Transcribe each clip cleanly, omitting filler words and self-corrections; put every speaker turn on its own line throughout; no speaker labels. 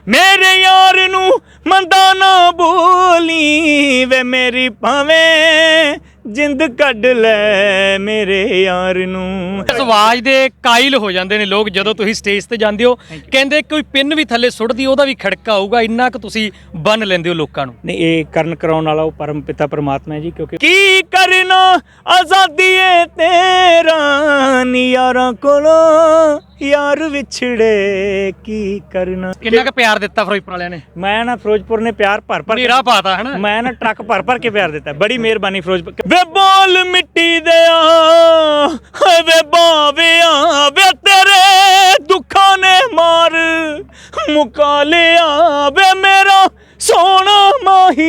मेरे यार नू मंदा ना बोली वे मेरी भावें जिंद कढ ले मेरे यार नू।
ਇਸ ਆਵਾਜ਼ ਦੇ ਕਾਇਲ ਹੋ ਜਾਂਦੇ ਨੇ ਲੋਕ ਜਦੋਂ ਤੁਸੀਂ ਸਟੇਜ ਤੇ ਜਾਂਦੇ ਹੋ। ਕਹਿੰਦੇ ਕੋਈ ਪਿੰਨ ਵੀ ਥੱਲੇ ਸੁੱਟਦੀ ਉਹਦਾ ਵੀ ਖੜਕਾ ਆਊਗਾ, ਇੰਨਾ ਕੁ ਤੁਸੀਂ ਬੰਨ ਲੈਂਦੇ ਹੋ ਲੋਕਾਂ ਨੂੰ।
नहीं ये करण कराने वाला वो परम पिता परमात्मा है जी, क्योंकि की करना आजादी है तेरा नी यारां कोलों यार विछड़े की करना।
ਕਿੰਨਾ ਕੁ ਪਿਆਰ ਦਿੱਤਾ ਫਿਰੋਜ਼ਪੁਰ ਵਾਲਿਆਂ ਨੇ?
मैं ना फिरोजपुर ने प्यार भर भर
ਨੀਰਾ ਪਾਤਾ ਹੈ ਨਾ।
मैं ना ट्रक भर भर के प्यार देता, बड़ी मेहरबानी फिरोजपुर। वे बोल मिट्टी दिया वे बाविया वे तेरे दुखा ने मार मुका लिया वे मेरा सोना माही।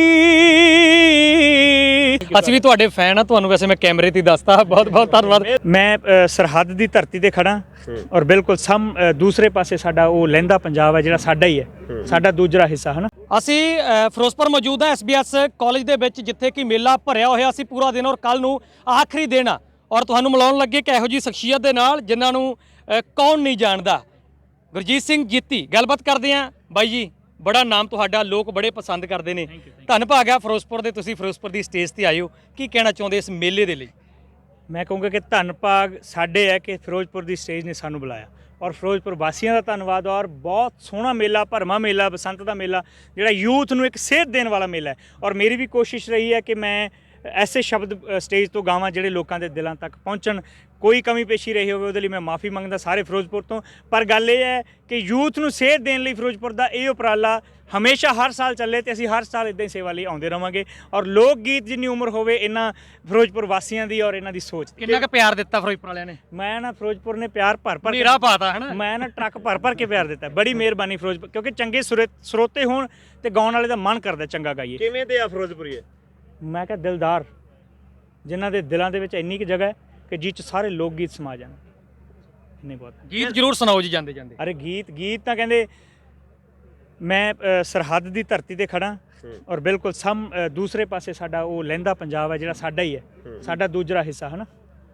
ਅਸੀਂ ਵੀ ਤੁਹਾਡੇ ਫੈਨ ਆ, ਤੁਹਾਨੂੰ ਵੈਸੇ ਮੈਂ ਕੈਮਰੇ ਤੇ ਹੀ ਦੱਸਦਾ। ਬਹੁਤ ਬਹੁਤ ਧੰਨਵਾਦ।
मैं सरहद ਦੀ ਧਰਤੀ ਤੇ ਖੜਾ ਔਰ ਬਿਲਕੁਲ ਦੂਸਰੇ ਪਾਸੇ ਸਾਡਾ ਉਹ ਲਹਿੰਦਾ ਪੰਜਾਬ ਹੈ ਜਿਹੜਾ ਸਾਡਾ ਹੀ ਹੈ, ਸਾਡਾ ਦੂਜਾ ਹਿੱਸਾ ਹੈ ਨਾ।
ਅਸੀਂ ਫਿਰੋਜ਼ਪੁਰ ਮੌਜੂਦ ਹਾਂ SBS ਕਾਲਜ ਦੇ ਵਿੱਚ, ਜਿੱਥੇ ਕਿ ਮੇਲਾ ਭਰਿਆ ਹੋਇਆ ਸੀ ਪੂਰਾ ਦਿਨ ਔਰ ਕੱਲ ਨੂੰ ਆਖਰੀ ਦਿਨ ਆ। ਔਰ ਤੁਹਾਨੂੰ ਮਿਲਾਉਣ ਲੱਗੇ ਕਿ ਇਹੋ ਜਿਹੀ ਸ਼ਖਸੀਅਤ ਦੇ ਨਾਲ ਜਿਨ੍ਹਾਂ ਨੂੰ ਕੌਣ ਨਹੀਂ ਜਾਣਦਾ। ਗੁਰਜੀਤ ਸਿੰਘ ਜੀਤੀ ਗੱਲਬਾਤ ਕਰਦੇ ਹਾਂ। ਬਾਈ ਜੀ, ਬੜਾ ਨਾਮ ਤੁਹਾਡਾ, ਲੋਕ ਬੜੇ ਪਸੰਦ ਕਰਦੇ ਨੇ। ਧੰਨ ਭਾਗ ਆ ਫਿਰੋਜ਼ਪੁਰ ਦੇ, ਤੁਸੀਂ ਫਿਰੋਜ਼ਪੁਰ ਦੀ ਸਟੇਜ ਤੇ ਆਏ ਹੋ। ਕੀ ਕਹਿਣਾ ਚਾਹੁੰਦੇ ਇਸ ਮੇਲੇ ਦੇ ਲਈ?
ਮੈਂ ਕਹੂੰਗਾ ਕਿ ਧੰਨ ਭਾਗ ਸਾਡੇ ਹੈ ਕਿ ਫਿਰੋਜ਼ਪੁਰ ਦੀ ਸਟੇਜ ਨੇ ਸਾਨੂੰ ਬੁਲਾਇਆ, ਔਰ ਫਿਰੋਜ਼ਪੁਰ ਵਾਸੀਆਂ ਦਾ ਧੰਨਵਾਦ। ਔਰ ਬਹੁਤ ਸੋਹਣਾ ਮੇਲਾ, ਭਰਮਾ ਮੇਲਾ, ਬਸੰਤ ਦਾ ਮੇਲਾ ਜਿਹੜਾ ਯੂਥ ਨੂੰ ਇੱਕ ਸੇਧ ਦੇਣ ਵਾਲਾ ਮੇਲਾ ਹੈ। ਔਰ ਮੇਰੀ ਵੀ ਕੋਸ਼ਿਸ਼ ਰਹੀ ਹੈ ਕਿ ਮੈਂ ਐਸੇ ਸ਼ਬਦ ਸਟੇਜ ਤੋਂ ਗਾਵਾਂ ਜਿਹੜੇ ਲੋਕਾਂ ਦੇ ਦਿਲਾਂ ਤੱਕ ਪਹੁੰਚਣ। ਕੋਈ ਕਮੀ ਪੇਸ਼ੀ ਰਹੀ ਹੋਵੇ ਉਹਦੇ ਲਈ ਮੈਂ ਮਾਫੀ ਮੰਗਦਾ ਸਾਰੇ ਫਿਰੋਜ਼ਪੁਰ ਤੋਂ। ਪਰ ਗੱਲ ਇਹ ਹੈ ਕਿ ਯੂਥ ਨੂੰ ਸੇਧ ਦੇਣ ਲਈ ਫਿਰੋਜ਼ਪੁਰ ਦਾ ਇਹ ਉਪਰਾਲਾ ਹਮੇਸ਼ਾ ਹਰ ਸਾਲ ਚੱਲੇ ਤੇ ਅਸੀਂ ਹਰ ਸਾਲ ਇਦਾਂ ਹੀ ਸੇਵਾ ਲਈ ਆਉਂਦੇ ਰਵਾਂਗੇ। ਔਰ ਲੋਕ ਗੀਤ ਜਿੰਨੀ ਉਮਰ ਹੋਵੇ ਇਹਨਾਂ ਫਿਰੋਜ਼ਪੁਰ ਵਾਸੀਆਂ ਦੀ ਔਰ ਇਹਨਾਂ ਦੀ ਸੋਚ।
ਕਿੰਨਾ ਕੁ ਪਿਆਰ ਦਿੱਤਾ ਫਿਰੋਜ਼ਪੁਰ ਵਾਲਿਆਂ ਨੇ?
ਮੈਂ ਨਾ ਫਿਰੋਜ਼ਪੁਰ ਨੇ ਪਿਆਰ ਭਰ ਭਰ
ਨੀਰਾ ਪਾਤਾ ਹੈ ਨਾ।
ਮੈਂ ਨਾ ਟਰੱਕ ਭਰ ਭਰ ਕੇ ਪਿਆਰ ਦਿੱਤਾ, ਬੜੀ ਮਿਹਰਬਾਨੀ ਫਿਰੋਜ਼ਪੁਰ। ਕਿਉਂਕਿ ਚੰਗੇ ਸਰੋਤੇ ਹੋਣ ਤੇ ਗਾਉਣ ਵਾਲੇ ਦਾ ਮਨ ਕਰਦਾ ਚੰਗਾ ਗਾਈਏ।
ਕਿਵੇਂ ਦੇ ਆ ਫਿਰੋਜ਼ਪੁਰੀਏ?
ਮੈਂ ਕਿਹਾ ਦਿਲਦਾਰ, ਜਿਨ੍ਹਾਂ ਦੇ ਦਿਲਾਂ ਦੇ ਵਿੱਚ ਇੰਨੀ ਕੁ ਜਗ੍ਹਾ ਹੈ ਕਿ ਜਿਹ 'ਚ ਸਾਰੇ ਲੋਕ ਗੀਤ ਸਮਾ ਜਾਣ। ਇੰਨੇ ਬਹੁਤ
ਗੀਤ ਜ਼ਰੂਰ ਸੁਣਾਓ ਜੀ ਜਾਂਦੇ ਜਾਂਦੇ।
ਅਰੇ ਗੀਤ ਤਾਂ ਕਹਿੰਦੇ ਮੈਂ ਸਰਹੱਦ ਦੀ ਧਰਤੀ ਤੇ ਖੜਾ ਔਰ ਬਿਲਕੁਲ ਦੂਸਰੇ ਪਾਸੇ ਸਾਡਾ ਉਹ ਲਹਿੰਦਾ ਪੰਜਾਬ ਹੈ ਜਿਹੜਾ ਸਾਡਾ ਹੀ ਹੈ, ਸਾਡਾ ਦੂਜਾ ਹਿੱਸਾ ਹੈ ਨਾ।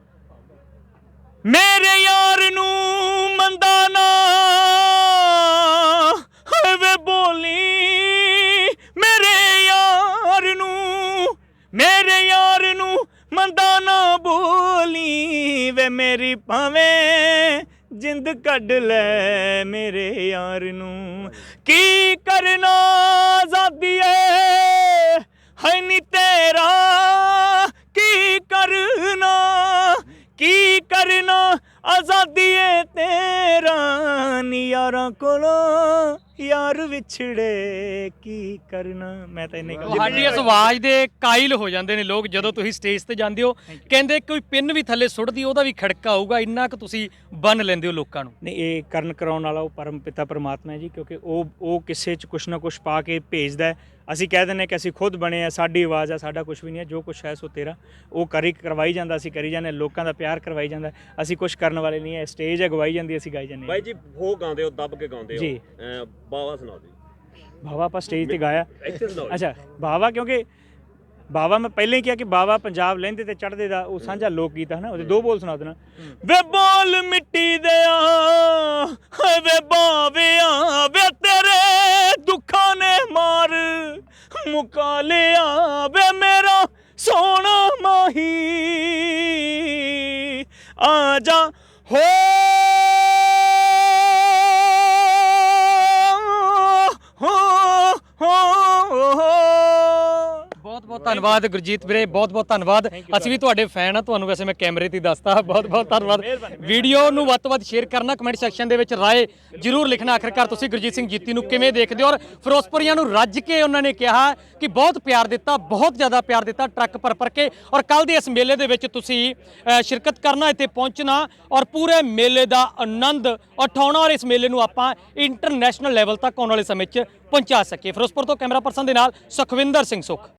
ਮੇਰੇ ਯਾਰ ਨੂੰ ਮੰਦਾ ਨਾ ਵੇ ਬੋਲੀ ਮੇਰੇ ਯਾਰ ਨੂੰ ਮੰਦਾ ਨਾ ਬੋਲੀ ਵੇ ਮੇਰੀ ਭਾਵੇਂ ਜਿੰਦ ਕੱਢ ਲੈ ਮੇਰੇ ਯਾਰ ਨੂੰ। ਕੀ ਕਰਨਾ ਆਜ਼ਾਦੀ ਹੈ ਨੀ ਤੇਰਾ ਕੀ ਕਰਨਾ ਆਜ਼ਾਦੀ ਏ ਤੇਰਾ ਨੀ ਯਾਰਾਂ ਕੋਲੋਂ ਯਾਰ ਵਿਛੜੇ ਕੀ ਕਰਨਾ। ਮੈਂ ਤਾਂ ਇੰਨੇ
ਤੁਹਾਡੀ ਇਸ ਆਵਾਜ਼ ਦੇ ਕਾਇਲ ਹੋ ਜਾਂਦੇ ਨੇ ਲੋਕ ਜਦੋਂ ਤੁਸੀਂ ਸਟੇਜ ਤੇ ਜਾਂਦੇ ਹੋ। ਕਹਿੰਦੇ ਕੋਈ ਪਿੰਨ ਵੀ ਥੱਲੇ ਸੁੱਟਦੀ ਉਹਦਾ ਵੀ ਖੜਕਾ ਆਊਗਾ, ਇੰਨਾ ਕੁ ਤੁਸੀਂ ਬੰਨ ਲੈਂਦੇ ਹੋ ਲੋਕਾਂ ਨੂੰ।
ਨਹੀਂ ਇਹ ਕਰਨ ਕਰਾਉਣ ਵਾਲਾ ਉਹ ਪਰਮ ਪਿਤਾ ਪਰਮਾਤਮਾ ਹੈ ਜੀ, ਕਿਉਂਕਿ ਉਹ ਕਿਸੇ 'ਚ ਕੁਛ ਨਾ ਕੁਛ ਪਾ ਕੇ ਭੇਜਦਾ ਹੈ। ਅਸੀਂ ਕਹਿ ਦਿੰਦੇ ਕਿ ਅਸੀਂ ਖੁਦ ਬਣੇ ਆ, ਸਾਡੀ ਆਵਾਜ਼ ਆ, ਸਾਡਾ ਕੁਛ ਵੀ ਨਹੀਂ ਹੈ, ਜੋ ਕੁਛ ਹੈ ਸੋ ਤੇਰਾ। ਉਹ ਕਰਵਾਈ ਜਾਂਦਾ, ਅਸੀਂ ਕਰੀ ਜਾਂਦੇ, ਲੋਕਾਂ ਦਾ ਪਿਆਰ ਕਰਵਾਈ ਜਾਂਦਾ। ਅਸੀਂ ਕੁਛ ਕਰਨ ਵਾਲੇ ਨਹੀਂ ਹੈ, ਸਟੇਜ ਅਗਵਾਈ ਜਾਂਦੀ, ਅਸੀਂ ਗਾਈ ਜਾਂਦੇ।
ਬਾਈ ਜੀ ਉਹ ਗਾਉਂਦੇ ਹੋ, ਦੱਬ ਕੇ ਗਾਉਂਦੇ ਹੋ
ਜੀ।
ਬਾਵਾ ਸੁਣਾਓ ਜੀ।
ਬਾਵਾ ਆਪਾਂ ਸਟੇਜ ਤੇ ਗਾਇਆ।
ਇੱਥੇ ਸੁਣਾਓ।
ਅੱਛਾ ਬਾਵਾ, ਕਿਉਂਕਿ ਬਾਵਾ ਮੈਂ ਪਹਿਲਾਂ ਹੀ ਕਿਹਾ ਕਿ ਬਾਵਾ ਪੰਜਾਬ ਲਹਿੰਦੇ ਤੇ ਚੜ੍ਹਦੇ ਦਾ ਉਹ ਸਾਂਝਾ ਲੋਕ ਗੀਤ ਹੈ ਨਾ। ਉਹਦੇ ਦੋ ਬੋਲ ਸੁਣਾ ਦੇਣਾ। ਵੇ ਬੋਲ ਮਿੱਟੀ ਦਿਆ ਵੇ ਬਾਵਿਆ ਵੇ ਤੇਰੇ ਦੁੱਖਾਂ ਨੇ ਮਾਰ ਮੁਕਾ ਲਿਆ ਵੇ ਮੇਰਾ ਸੋਨਾ ਮਾਹੀ ਆ ਜਾ ਹੋ
ਬਹੁਤ ਧੰਨਵਾਦ ਗੁਰਜੀਤ ਵੀਰੇ, ਬਹੁਤ ਬਹੁਤ ਧੰਨਵਾਦ। ਅਸੀਂ ਵੀ ਤੁਹਾਡੇ ਫੈਨ ਆ, ਤੁਹਾਨੂੰ ਵੈਸੇ ਮੈਂ ਕੈਮਰੇ ਤੇ ਹੀ ਦੱਸਦਾ। ਬਹੁਤ ਬਹੁਤ ਧੰਨਵਾਦ। ਵੀਡੀਓ ਨੂੰ ਵੱਧ ਤੋਂ ਵੱਧ ਸ਼ੇਅਰ ਕਰਨਾ, ਕਮੈਂਟ ਸੈਕਸ਼ਨ ਦੇ ਵਿੱਚ ਰਾਏ ਜ਼ਰੂਰ ਲਿਖਣਾ। ਆਖਰਕਾਰ ਤੁਸੀਂ ਗੁਰਜੀਤ ਸਿੰਘ ਜੀਤੀ ਨੂੰ ਕਿਵੇਂ ਦੇਖਦੇ ਹੋ? ਔਰ ਫਿਰੋਜ਼ਪੁਰੀਆਂ ਨੂੰ ਰੱਜ ਕੇ ਉਹਨਾਂ ਨੇ ਕਿਹਾ ਕਿ ਬਹੁਤ ਪਿਆਰ ਦਿੱਤਾ, ਬਹੁਤ ਜ਼ਿਆਦਾ ਪਿਆਰ ਦਿੱਤਾ, ਟਰੱਕ ਭਰ ਕੇ। ਔਰ ਕੱਲ ਦੇ ਇਸ ਮੇਲੇ ਦੇ ਵਿੱਚ ਤੁਸੀਂ ਸ਼ਿਰਕਤ ਕਰਨਾ, ਇੱਥੇ ਪਹੁੰਚਣਾ ਔਰ ਪੂਰੇ ਮੇਲੇ ਦਾ ਆਨੰਦ ਉਠਾਉਣਾ ਔਰ ਇਸ ਮੇਲੇ ਨੂੰ ਆਪਾਂ ਇੰਟਰਨੈਸ਼ਨਲ ਲੈਵਲ ਤੱਕ ਆਉਣ ਵਾਲੇ ਸਮੇਂ 'ਚ ਪਹੁੰਚਾ ਸਕੀਏ। ਫਿਰੋਜ਼ਪੁਰ ਤੋਂ ਕੈਮਰਾ ਪਰਸਨ ਦੇ ਨਾਲ ਸੁਖਵਿੰਦਰ ਸਿੰਘ ਸੁਖ।